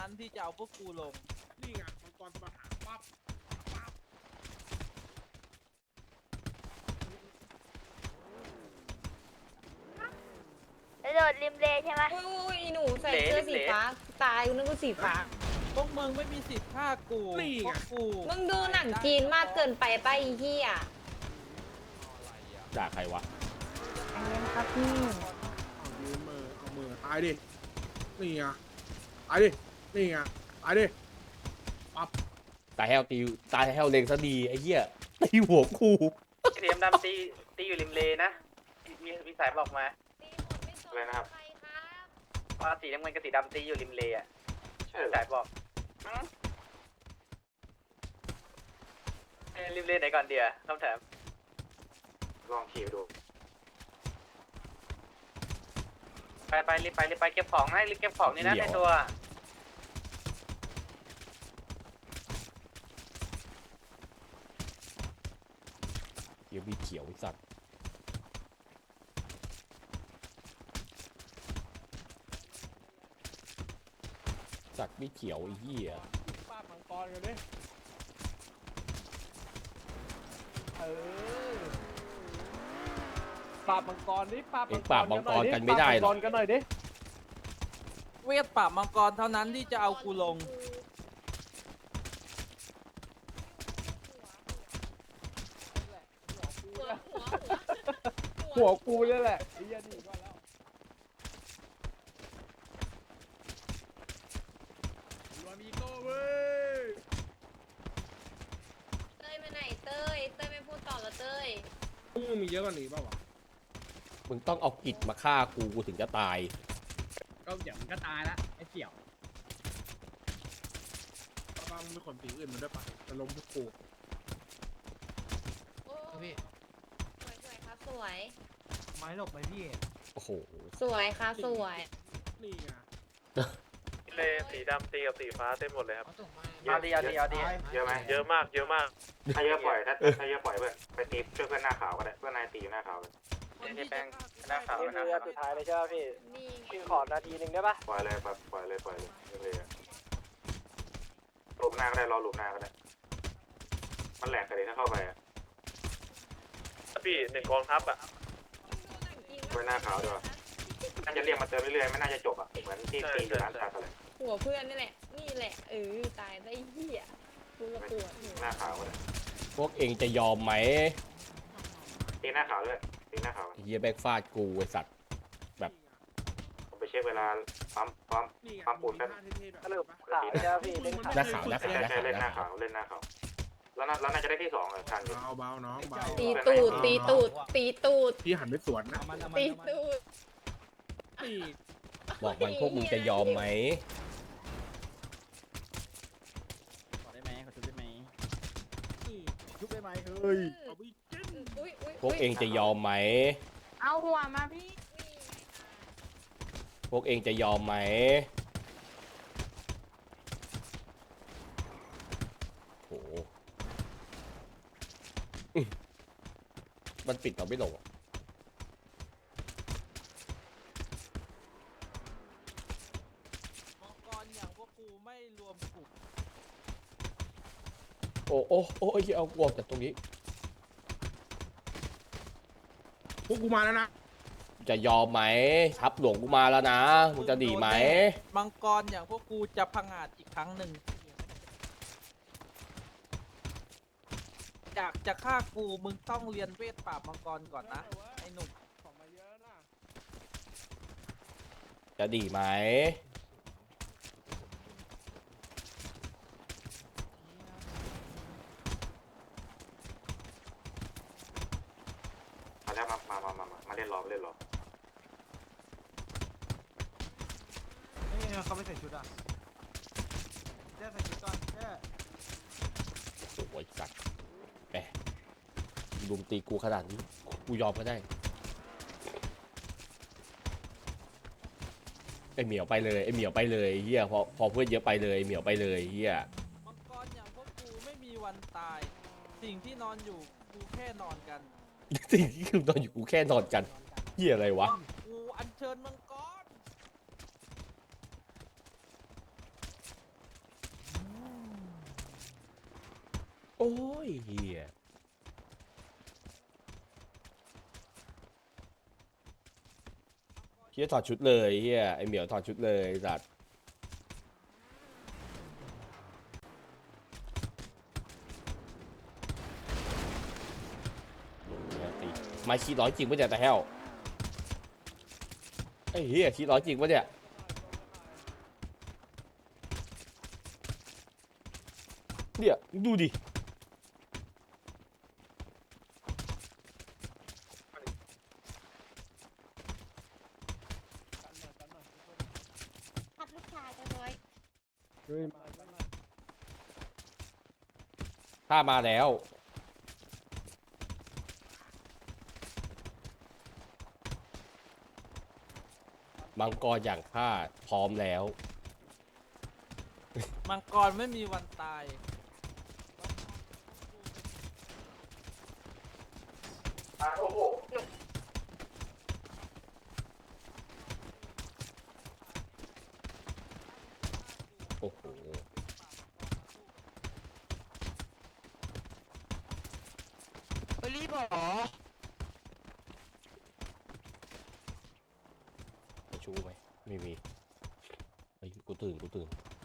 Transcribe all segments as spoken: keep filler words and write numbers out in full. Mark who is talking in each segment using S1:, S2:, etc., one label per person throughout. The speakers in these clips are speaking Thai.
S1: นั้นที่จะเอาพวกกูลงนี่ไงมังกรมาหาปั๊บปั๊บ
S2: โดดริมเลใช่ไหม
S3: อุ้ยหนูใส่เสื้อสีฟ้าตายนึกว่าสีฟ้า
S1: พวกมึงไม่มีสิทธิ์ฆ่ากูพวกกู
S3: มึงดูหนังจีนมากเกินไปป่ะอีเหี้ย
S4: ด่าใครวะ
S2: อันนี้ครับพี่
S5: เอายืมมือเอามือตายดินี่ไงตายดินี่ไงตายดิปั๊บ
S4: ตายแฮวตีตายแฮวเลงซะดีไอ้เหี้ยตีหัวกู
S6: สีดำตีตีอยู่ริมเลนะมีมีสายบอกมา อะไรนะครับ ว่าสีน้ำเงินกับสีดำตีอยู่ริมเลอ่ะสายบอกเอ้ยริมเลไหนก่อนเดียวคำถามลองขี่ดูไปไปรีบไปรีบไปเก็บของให้รีบเก็บของนี่นะในตัว
S4: เดี๋ยวมีเขียวไอ้สัตว์สัตว์มีเขียวไอ้เหี้ย
S1: ปราบมังกรกันดิเออปราบมังกรดิปราบ
S4: เอ็งปราบมังกรกันไม่ได้หรอก
S1: กันหน่อยดิเวทปราบมังกรเท่านั้นที่จะเอากูลงหัวกูนี่แหละไอ้ยันนี่ก็แล้ว
S5: รวมอีโก้เว้ย
S3: เต้ยไปไหนเต้ยเต้ยไม่พูดต่อแล้วเต้ย
S5: พวกมึงมีเยอะกว่านี้เปล่าวะ
S4: มึงต้องเอากิจมาฆ่ากูกูถึงจะตาย
S7: ก็เดี๋ยวมันก็ตายละไอ้เสี่ยว
S5: ป้าป้ามึงเป็นคนสีอื่นมาด้วยปะจะล้มพวกกู
S3: โอ้สวยสวยครับสวย
S7: ไม้หลบไปพี่
S4: โอ้โห
S3: สวยค่ะสวย
S5: นี่ไง
S6: เลสีดำตีกับสีฟ้าเต็มหมดเลยครับ
S7: เอาส่งมา
S6: เอาดีเอาดีเอาดีเยอะไหมเยอะมากเยอะมากถ้าเยอะปล่อยถ้าถ้าเยอะปล่อยเพื่อนไปตีช่วยเพื่อนหน้าขาวก็ได้เพื่อนนายตีอยู่หน้าขาวเลยนี่แป้งหน้าขาวนะสุดท้ายเลยใช่ไหมพี่
S3: นี่
S6: พี่ขอนาทีหนึ่งได้ปะปล่อยเลยปล่อยปล่อยเลยปล่อยเลยเลยหลุมหน้าก็ได้รอหลุมหน้าก็ได้มันแหลกกันเลยถ้าเข้าไปอ่ะพี่หนึ่งกองทัพอ่ะไว้หน้าขาวด้วยน่าจะเรียกมาเติมเรื่อยๆไม่น่าจะจบอ่ะเหมือนที่ตีอยู่ร้านชาอะไร
S3: หัวเพื่อนนี่แหละนี่แหละเออตายได้เหี้ยกูระปวดหัว
S6: หน้าขาวเลย
S4: พวกเองจะยอมไหม
S6: ตีหน้าขาวด้วยตีหน้าขาว
S4: ไอ้เหี้ยแบกฟาดกูไอ้สัตว์
S6: ผมไปเช็คเวลาปั๊มปั๊ม
S5: นี่ไง
S6: ปั๊มปูนแป๊บ
S5: สรุป
S6: ขาวใช่พี่เล่นขาว
S4: หน้าขาวหน้าขาวหน้า
S6: ใช่
S4: ขาว
S6: เล่น
S4: ห
S6: ห
S4: น้า
S6: น้า
S4: ขา
S6: ขาว วเล่นหน้าขาวแล้วน่าแล้วน่าจะได้ที่สองเลยทันอยู่
S5: เบาเบาน้องเบา
S3: ตีตูดตีตูดตีตูด
S5: พี่หันไปสวนนะ
S3: ตีตูด
S5: นี่
S4: บอกมันพวกมึงจะยอมไหม
S7: ขอได้ไหมขอชุบได้ไหม
S5: นี่
S7: ชุบได้ไหมเฮ้ย
S5: เอาไปจิ้น
S3: อุ้ยอุ้ย
S4: พวกเองจะยอมไหม
S2: เอาหัวมาพี่
S4: พวกเองจะยอมไหมโอ้โหอื้อมันปิดเราไม่ลงอะ
S1: มังกรอย่างพวกกูไม่รวมกลุ่ม
S4: โอ้โอ้โอ้ยเอาออกจากตรงนี้
S5: พวกกูมาแล้วนะ
S4: จะยอมไหมทับหลวงกูมาแล้วนะมึงจะดีไหม
S1: มังกรอย่างพวกกูจะพังอาจอีกครั้งหนึ่งอยากจะฆ่ากูมึงต้องเรียนเวทปราบมังกรก่อนนะไอ้หนุ่ม
S5: ของมาเยอะนะ
S4: จะดีไหม
S6: มาแล้วมามามามามาเล่นรอเล่นรอ
S7: นี่เขาไม่ใส่ชุดอ่ะเจ๊ใส่ชุดก่อนเจ๊
S4: สวยสัตว์แหมลุมตีกูขนาดนี้กูยอมก็ได้ไอเหมียวไปเลยไอเหมียวไปเลยเฮียพอพอเพื่อนเยอะไปเลยเหมียวไปเลยเฮีย
S1: มังกรอย่างพวกกูไม่มีวันตาย สิ่งที่นอนอยู่กูแค่นอนกัน
S4: สิ่งที่คือนอนอยู่กูแค่นอนกันเฮียอะไรวะ
S1: กูอัญเชิญมังกร
S4: โอ้ยเฮียเฮียถอดชุดเลยเฮียไอเหมียวถอดชุดเลยสัตว์มาขี้ร้อยจริงปะเนี่ยแต่แฮวไอ้เฮียขี้ร้อยจริงปะเนี่ยเนี่ยดูดิ
S2: ทับลูกชายกันเลย
S4: ถ้ามาแล้วมังกรอย่างข้าพร้อมแล้ว
S1: มังกรไม่มีวันตาย
S6: โอ้โห
S4: โอ้โห
S7: ไปรีบเหรอ
S4: จะชูไหมไม่มีไอ้ยกูตื่นกูตื่น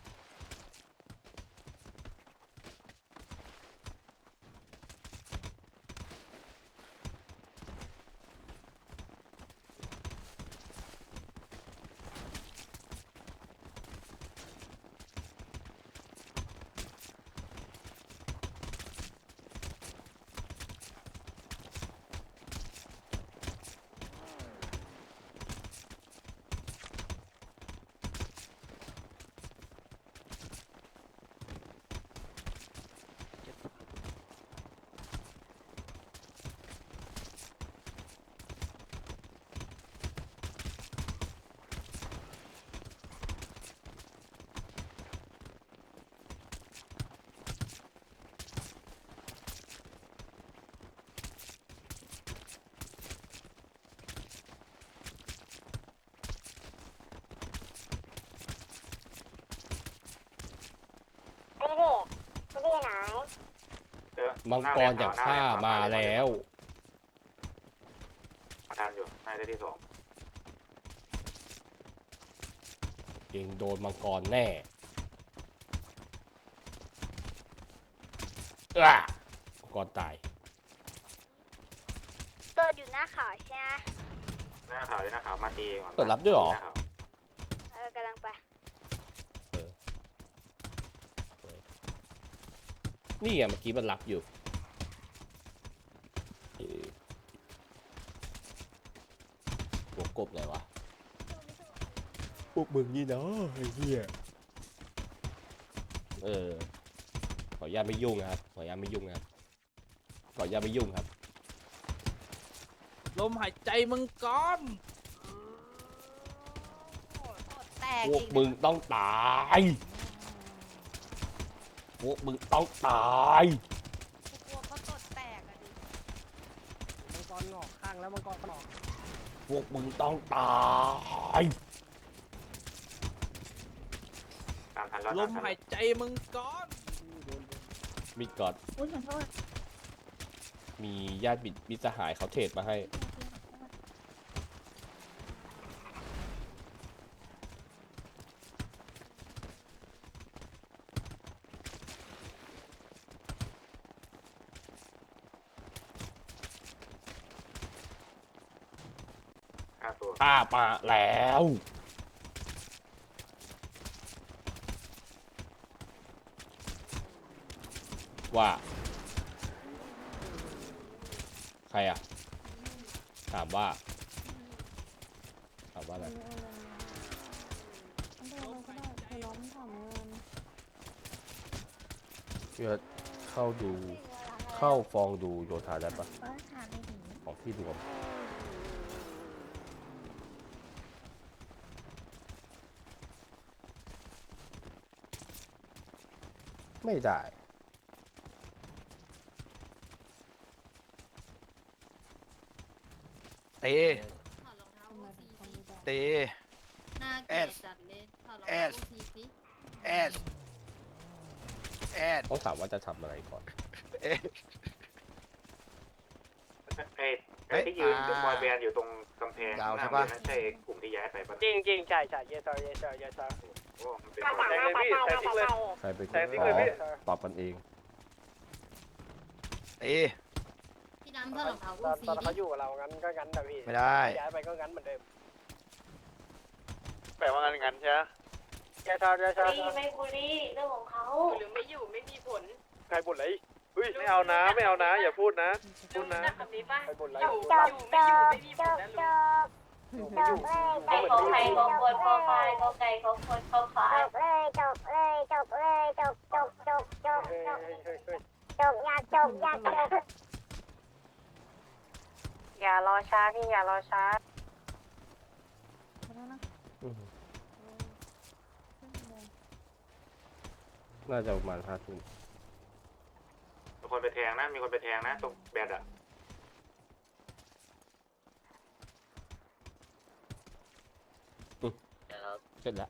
S4: มังกรอย่างข้ามาแล้ว
S6: ทานอยู่นายได้ที่สอง
S4: เองโดนมังกรแน่อ้ามังกรตาย
S2: เปิดอยู่หน้าเขาใช่ไหม
S6: หน้าขาวเลยหน้าขาวมาตีก่อน
S4: เปิดรับด้วยเหรอ
S6: น้าขาว
S2: เออกำลังไป
S4: นี่ไงเมื่อกี้มันรับอยู่เอ่อหัวกบไหนวะพวกมึงนี่เนาะไอ้เหี้ยเออขออนุญาตไม่ยุ่งนะครับขออนุญาตไม่ยุ่งนะครับขออนุญาตไม่ยุ่งครับ
S1: ลมหายใจมังกร
S2: แตก
S4: พวก
S2: อีก
S4: มึงต้องตายพวกมึงต้องตาย
S2: กลัวเขาตดแตกอะดิ
S7: มังกรหงอกข้างแล้วมังกรหงอก
S4: พวกมึงต้องตาย
S6: ตามทันแล้ว
S1: ล
S6: ตาม
S1: ม
S6: ทัน
S1: หายใจมังกร
S4: มีกอด
S2: อุ้ยขอโทษ
S4: มีญาติมิตรสหายเขาเทรดมาให้
S6: ห้าตัว
S4: ป้ามาแล้ว ว่า ใครอ่ะ ถามว่า ถามว่าอะไรเพื่อเข้าดู เข้าฟองดูโยธาได้ปะ
S2: ก็ถามไปถึง
S4: ของที่รวม ไม่ได้
S8: เตเต
S3: หน้า
S8: แอ
S3: เกลีย
S8: ด
S3: ดจัดเลยถอดรอง
S8: แอ
S3: เท้า
S8: ด
S3: ทีสิ
S8: แอดแอด
S4: ต้องถามว่าจะทำอะไรก่อน
S8: เอ๊ะ
S6: ไอ้ไอ้ที่ยืนบอยแบนด์อยู่ตรงกำแพง
S8: ยาว
S6: ห
S8: ใช่
S6: น้า
S8: ปะ
S6: โรงเรียนนั่นใช่กลุ่มที่ย้ายไปปะ
S9: จริงจริงใช่ใช่เยสเซอร์เยสเซอร์เยสเซอร์
S6: โอ้มันเป็น
S9: แทงเลยพี่แทงทิ้งเลย
S4: ใครไป
S9: แทงทิ้งเลยพี่
S4: ตอบกันเอง
S8: เอ๊ะ
S2: พี่น้ำเท่ากับเขา
S9: ตอนตอนเขาอยู่กับเรางั้นก็งั้นแต่พี่
S8: ไม่ได้
S9: ย้ายไปก็งั้นเหมือนเดิม
S7: แปลว่างั้นงั้นใช่ไหม
S9: เยสเซอร์เยสเซอร์
S2: ไม่บุรีเรื่องของเขา
S3: หรือไม่อยู่ไม่มีผล
S9: ใครบ่นอะไร
S7: เฮ้ยไม่เอานะไม่เอานะอย่าพูดนะพูดนะ
S3: แบบนี้ป่ะ
S9: ใครบ่นอะไร
S3: อยู่อยู่ไม่อยู่ไม่มีผลนะลุง
S9: ไม่อยู่
S2: ไก่ของไก่ของคนพ่อควายของไก่ของคนพ่อควายจบเลยจบเลยจบเลยจบจบจบจบ
S9: เฮ้ย
S2: จบ
S9: เฮ้ยเฮ้ยเฮ้ย
S2: จบอยากจบอยากจบอย่ารอช้าพี่อย่ารอช้า
S4: อืมน่าจะประมาณห้าทุ่ม
S6: มีคนไปแทงนะมีคนไปแทงนะตรงแบนด์อะ
S4: เสร็จแล้ว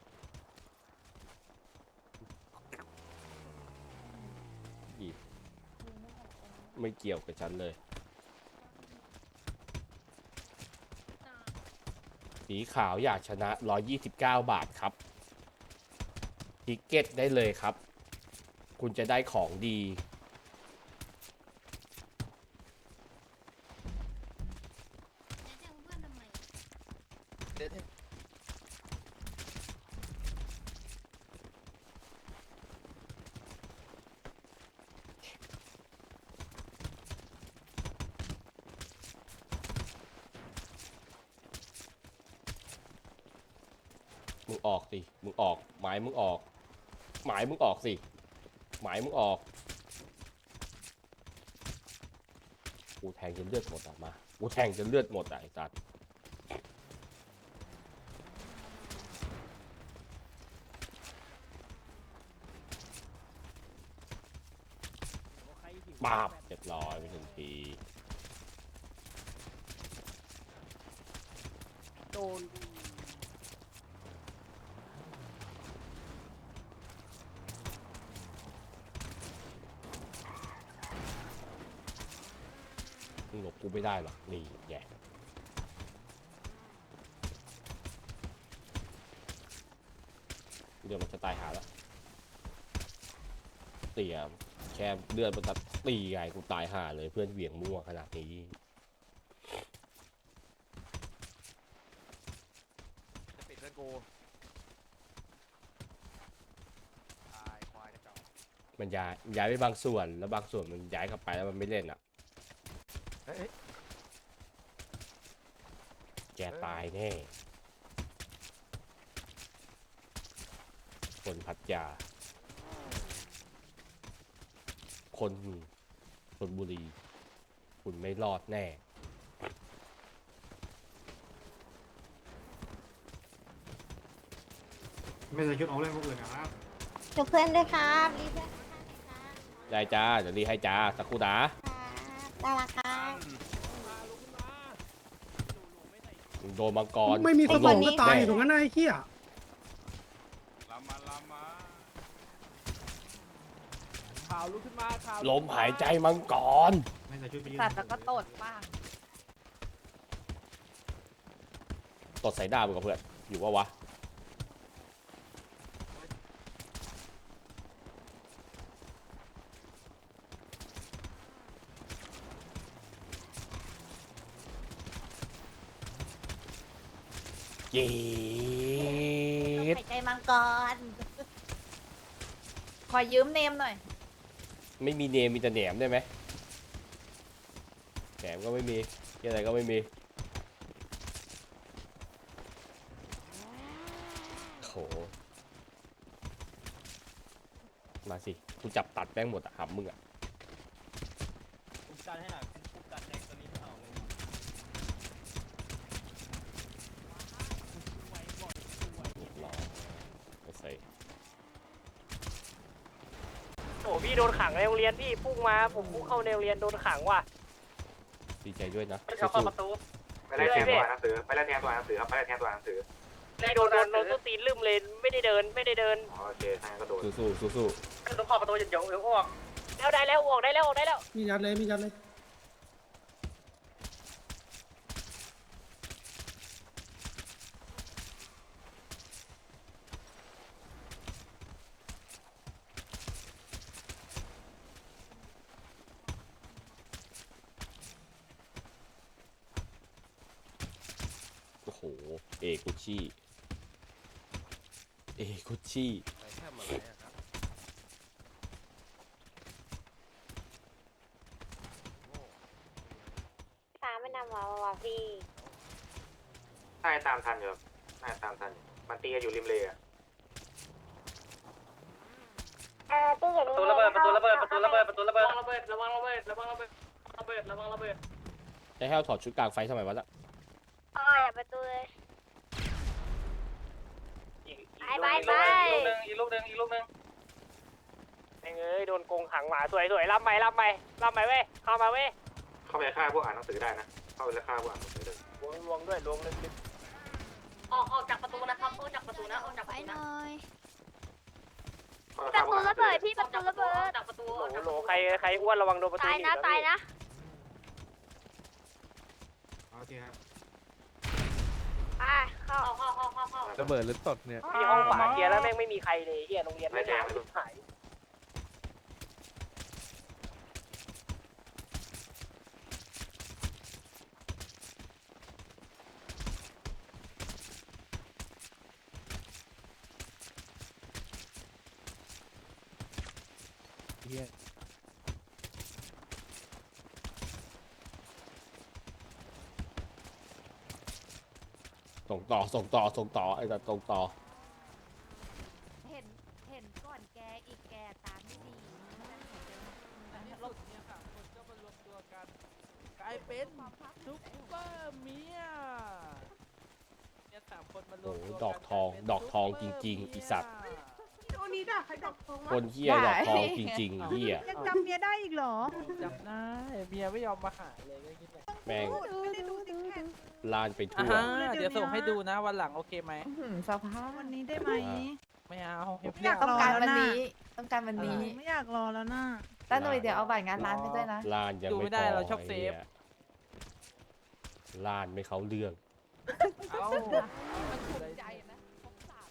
S4: อีกไม่เกี่ยวกับฉันเลย สีขาวอยากชนะหนึ่งร้อยยี่สิบเก้าบาทครับทิกเก็ตได้เลยครับ คุณจะได้ของดี มึงออกสิ มึงออก หมายมึงออก หมายมึงออกสิ หมายมึงออก กูแทงจนเลือดหมดอ่ะมา กูแทงจนเลือดหมดอ่ะไอ้สัตว์ปาบเรียบร้อยไปทันที
S1: โดน
S4: มึงหลบกูไม่ได้หรอก นี่แย่เดี๋ยวมันจะตายหาแล้วเตี่ยแค่เลือดมันตัดตีไงกูตายห่าเลยเพื่อนเหวี่ยงมั่วขนาดนี้
S8: จะปิดเพื่อนกูตายควายกระจอก
S4: มันย้ายย้ายไปบางส่วนแล้วบางส่วนมันย้ายเข้าไปแล้วมันไม่เล่นอ่ะ
S8: เฮ้ย
S4: แกตายแน่ คนพัทยา คนชลบุรี คุณไม่รอดแน่
S7: ไม่ใส่ชุดออกเล่นพวกอื่นนะครับ
S2: จบเพื่อนด้วยครับรีเพื่อน
S4: ได้จ้า เดี๋ยวรีให้จ้า สักครู่นะ
S2: ได้ละครับ
S4: โดนมังกร
S5: ไม่มีสมองก็ตายอยู่ตรง
S4: แ
S5: นั้นนะไอ้เหี้ย
S1: ข่าวลุกขึ้นมาข่าว
S4: ลมหายใจมังกร
S7: ไม่ใส่ชุดไปยืน
S2: สัตว์แล้วก็ตดบ้าง
S4: ตดใส่ดาบกับเพื่อน อยู่ว่าวะ เย็
S2: หายใจมังกร ขอยืมเนมหน่อย
S4: ไม่มีเนมมีแต่แหนมได้ไหมแหนมก็ไม่มีอะไรก็ไม่มีโหมาสิกูจับตัดแป้งหมดอะหำมึงอะ
S7: ปุ๊บกันให้หน่อยปุ๊บกันแดงตัวนี้ไม่เอาเลย
S4: รอไปใส่
S9: โอ้พี่โดนขังในโรงเรียนพี่พุ่งมาผมพุ่งเข้าในโรงเรียนโดนขังว่ะ
S4: ดีใจด้วยนะ
S9: เขาเข้าประตู
S6: ไปไล่แทงตัวอ่านหนังสือไปไล่แทงตัวอ่านหนังสือครับไปไล่แทงตัวอ่านหนังสือ
S9: โดนโดนโดนตีนลืมเลยไม่ได้เดินไม่ได้เดิน
S6: อ๋อโอเคทางนั้นก็โดน
S4: สู้สู้สู้สู้
S9: ต้องเข้าประตูเดี๋ยวเดี๋ยวออกแล้วได้แล้วออกได้แล้วออกได้แล้ว
S5: มียัดเลยมียัดเลย
S4: โอ้โห เอกุชี่ เอกุชี่
S8: ใส่แค่มาอะไรอะครับโง่
S2: ฟ้าไม่นำวาวาพี่
S6: น่าจะตามทันอยู่ครับน่าจะตามทันอยู่มันตีกันอยู่ริมเลยอะ
S2: เออพี่อย่า
S9: ประตูระเบิดประตูระเบิดประตูระเบิดประตูระเบิดระเบิดระวังระเบิดระวังระเบิดระเบิดระวังระเบิด
S4: ไอ้แห้วถอดชุดกลางไฟทำไมวะล่ะ
S2: อ๋ออย่าประตูเลย
S9: อีก
S2: ไปไปไป
S9: อีกลูกหนึ่งอีกลูกหนึ่งอีกลูกหนึ่งเอ้ยโดนโกงขังหมาสวยสวยรับใหม่รับใหม่รับใหม่เว้ยเข้ามาเว้ย
S6: เข้าไปฆ่าพวกอ่านหนังสือได้นะ เข้าไปแล้วฆ่าพวกอ่านหนังสือเลย
S9: ลวงลวงด้วยลวงลึก
S2: ออกออกจากประตูนะครับออกจากประตูนะออกจากประตูนะ
S6: เข้าไป
S2: ป
S6: ฆ่า
S2: ระ
S6: พว
S2: ตู
S6: กอ่านหนั
S2: ระ
S6: งสื
S2: เบิ
S6: อ
S2: ดพี่ประตูระเบิดจากประตู
S9: โหลโหลใครใครอ้วนระวังโดนประตู
S2: ตาย
S9: ห
S2: นะ
S9: บ
S2: ตายนะ
S5: โอเคครับ
S2: ไปเข้าเข้าเข้าเข้าเข้า
S8: ระเบิดหรือตดเนี่ย
S9: ที่ห้องขวาเคลียร์แล้วแม่งไม่มีใครเลยเฮียโรงเรียนไม่งานหาย
S8: เฮีย
S4: ส่งต่อ ส่งต่อ ส่งต่อ ไอ้สัตว์ส่งต่อ
S10: เห็น เห็นก่อนแกอีกแกตามไม่ดี
S1: ในที่สุดเนี่ยสามคนก็มารวมตัวกัน กลายเป็นซุปเปอร์เมียเนี่ยสามคนมารวมตัว
S4: โอ้
S1: กัน
S4: โหดอกทอง
S1: กลายเป็น
S4: ดอกทองจริงๆ
S1: ซุปเป
S4: อีสัตว์
S1: เมีย
S10: โอนี้ด่าใครดอกทอง
S4: คนเฮียดอกทองจริงๆเฮีย
S10: ยังจำเมียได้อีกเหรอ
S1: จำได้เมียไม่ยอมมาหาเลยก็คิดเลย
S4: แม่ง
S10: ไม่ได้ดูติ๊กแพด
S4: ลานไป
S1: อ่า
S4: ทั่ว
S1: ฮะเดี๋ยวส่งให้ดูนะวันหลังโอเคไหม
S10: สภาพวันนี้ได้ไหม
S1: ไม่เอา
S10: ไม่อยาก
S11: ต้องการวัน
S10: รอแล้วนะ
S11: นี้ ต้องการวันนี้
S10: ไม่อยากรอแล้วนะ
S11: ต้าหนุ่ยเดี๋ยวเอาบัตรงานร้านไปด้วยนะ
S4: ลานยัง
S1: ดู
S4: ไม่
S1: ไม่
S4: พ
S1: ได้
S4: อ
S1: เราชอบเซ
S4: ไอ้
S1: ฟ
S4: เหี้ยลานไม่เขาเรื่อง
S1: เอา
S11: ใจนะครบสาม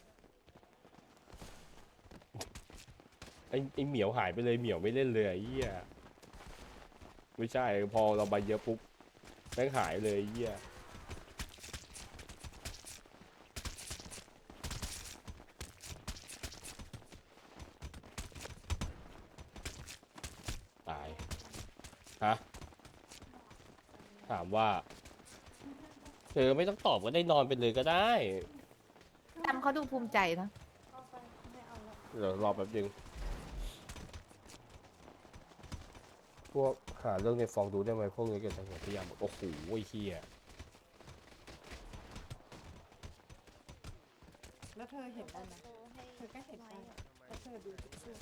S4: ไอ้ไอ้เหมียวหายไปเลยเหมียวไม่เล่นเลยไอ้เหี้ยไม่ใช่พอเราไปเยอะปุ๊บแม่งหายเลยไอ้เหี้ยตายฮะถามว่าเธอไม่ต้องตอบก็ได้นอนไปเลยก็ได้
S11: จำเขาดูภูมิใจนะ
S4: เดี๋ยวรอแป๊บนึงพวกหาเรื่องในฟองดูได้ไหมพวกนี้เกิดจากหัวพยายามบอกโอ้โหไอ้เหี้ย
S10: แล้วเธอเห็นได้ไหมเธอก็เห็นได้แล้วเธอดูทิชชู่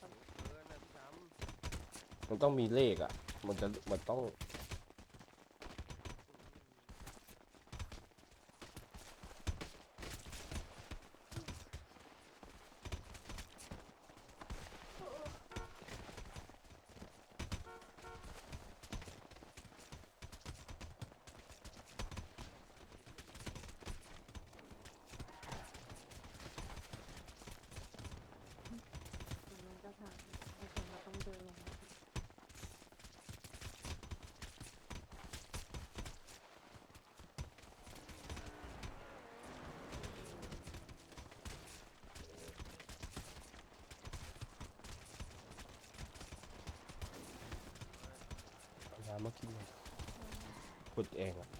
S4: มันต้องมีเลขอ่ะ มันจะมันต้องเอาน้ำมากินเลยพูดเองอ่ะ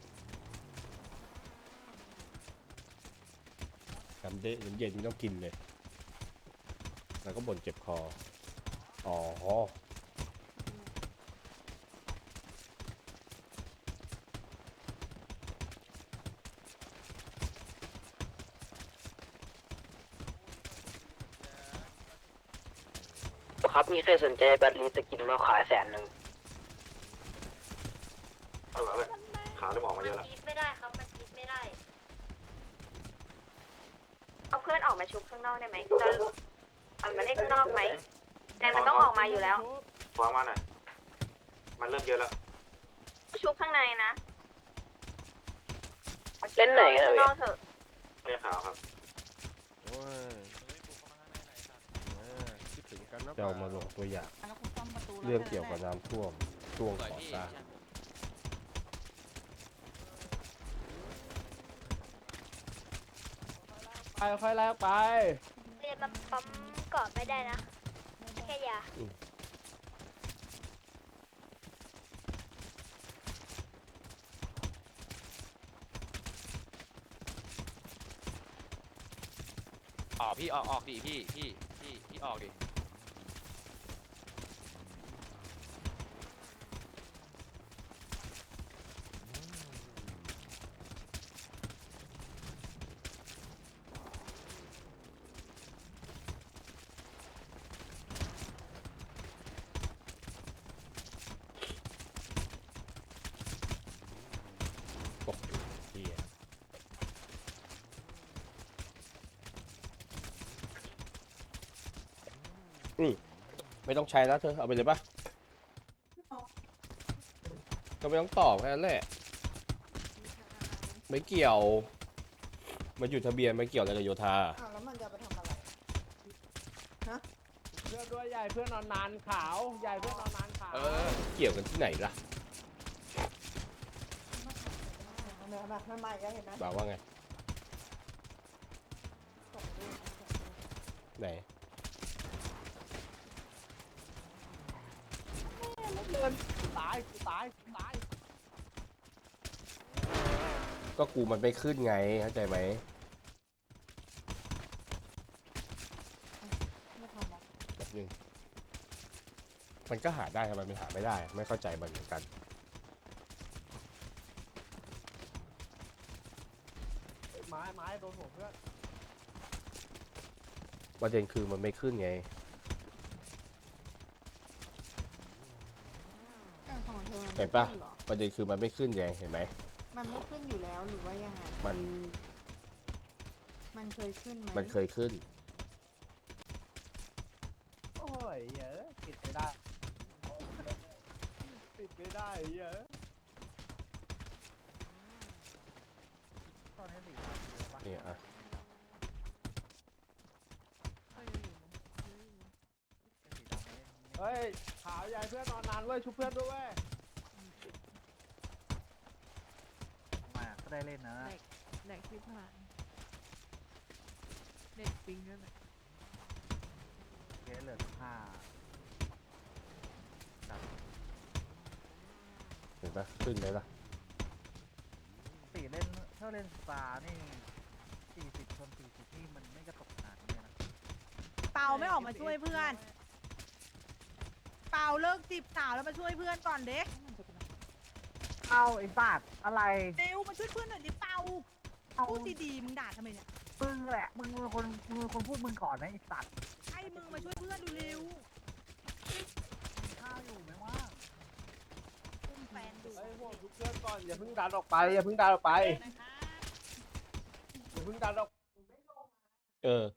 S4: น้ำเด็น้ำเย็นไม่ต้องกินเลย แล้วก็บ่นเจ็บคอ อ๋อ
S9: ครับมีใครสนใจแบตลีสกินมาขายแสนหนึ่ง
S6: เอาเหรอเว้ยขาเริ่มออกมาเยอะแล้ว
S2: คิดไม่ได้ครับมันคิดไม่ได้เอาเพื่อนออกมาชุบข้างนอกได้ไหมจะเอามาเล่นข้างนอกไหมแต่มันต้องออกมาอยู่แล้ว
S6: วางมาหน่อยมันเริ่มเยอะแล้ว
S2: ชุบข้างในนะ
S9: เล่นไหนกัน
S2: ข้าง
S9: เลย
S2: นอกเถอะ
S6: เรียกขาวครับ
S8: โอ้ยเออคิดถึงกันนะ
S4: จะเอามาลงตัวอย่าง เรื่องเกี่ยวกับน้ำท่วมช่วงก่อสร้าง
S1: ไปค่อยแลกไป
S2: เรียนมาปั๊มกอดไม่ได้นะ แค่ยา
S8: ออกพี่ออกออกดิพี่พี่พี่พี่ออกดิ
S4: ตกอยู่เหี้ยอืมไม่ต้องใช้แล้วเธอ เอาไปเลยปะก็ไม่ต้องตอบแค่นั้นแหละ ไม่เกี่ยว มันอยู่ทะเบียนไม่เกี่ยวอะไรกับโยธา
S11: อ้าวแล้วมันจะไปทำอะไร
S1: เพื่อนด้วยใหญ่เพื่อนนอนนานขาวใหญ่เพื่อนนอนนานขาว
S8: เออ
S4: เกี่ยวกันที่ไหนล่ะ
S11: แบบใหม่ๆก็เห็นไหม
S4: บอกว่าไง ไหน
S1: ตายกูตายกูตาย
S4: ก็กูมันไม่ขึ้นไง เข้าใจไหม แบบนึง มันก็หาได้ทำไมมันหาไม่ได้ ไม่เข้าใจมันเหมือนกัน
S1: ไม้ไม้โดนหัวเพื่อน
S4: ประเด็นคือมันไม่ขึ้นไง
S11: ของเธอ
S4: เห็นปะ ประเด็นคือมันไม่ขึ้นไง เห็นไหม
S11: มันไม่ขึ้นอยู่แล้วหรือว่ายังไง
S4: มัน
S11: มันเคยขึ้นไหม
S4: มันเคยขึ้น
S1: โอ้ยเยอะปิดไม่ได้ปิดไม่ได้เยอะ
S4: เนี่ยอ่ะ
S1: เฮ้ยขาวใหญ่เพื่อนนอนนานเว้ยชุบเพื่อนด้วยเว้ย
S7: มาก็ได้เล่นนะ
S11: แดกที่ผ่านเด็กปิงนั่นแหละ
S7: เกเหลือห้า
S4: เห็นปะขึ้นไหมล่ะ
S7: สี่เล่นถ้าเล่นสตาร์นี่สี่สิบชนสี่สิบนี่มันไม่กระตกขนาดนี้นะ
S10: เปาไม่ออกมาช่วยเพื่อน เปาเลิกจีบสาวแล้วมาช่วยเพื่อนก่อนเด็ก
S7: เอาไอ้สัตว์อะไร
S10: เร็วมาช่วยเพื่อนหน่อยดิเปาพูดดีๆมึงด่าทำไมเนี่ย
S7: มึงแหละมึงเป็นคนมึงเป็นคนพูดมึงก่อนนะไอ้สัตว์
S10: ให้มึงมาช่วยเพื่อนดูเร็ว
S7: ข้าวอยู่ไหมว่า
S10: อุ้มแฟนดู
S1: เฮ้ยพวกชุบเพื่อนก่อนอย่าเพิ่งดันออกไปอย่าเพิ่งดันออกไปอย่าเพิ่งดันออก
S4: เออ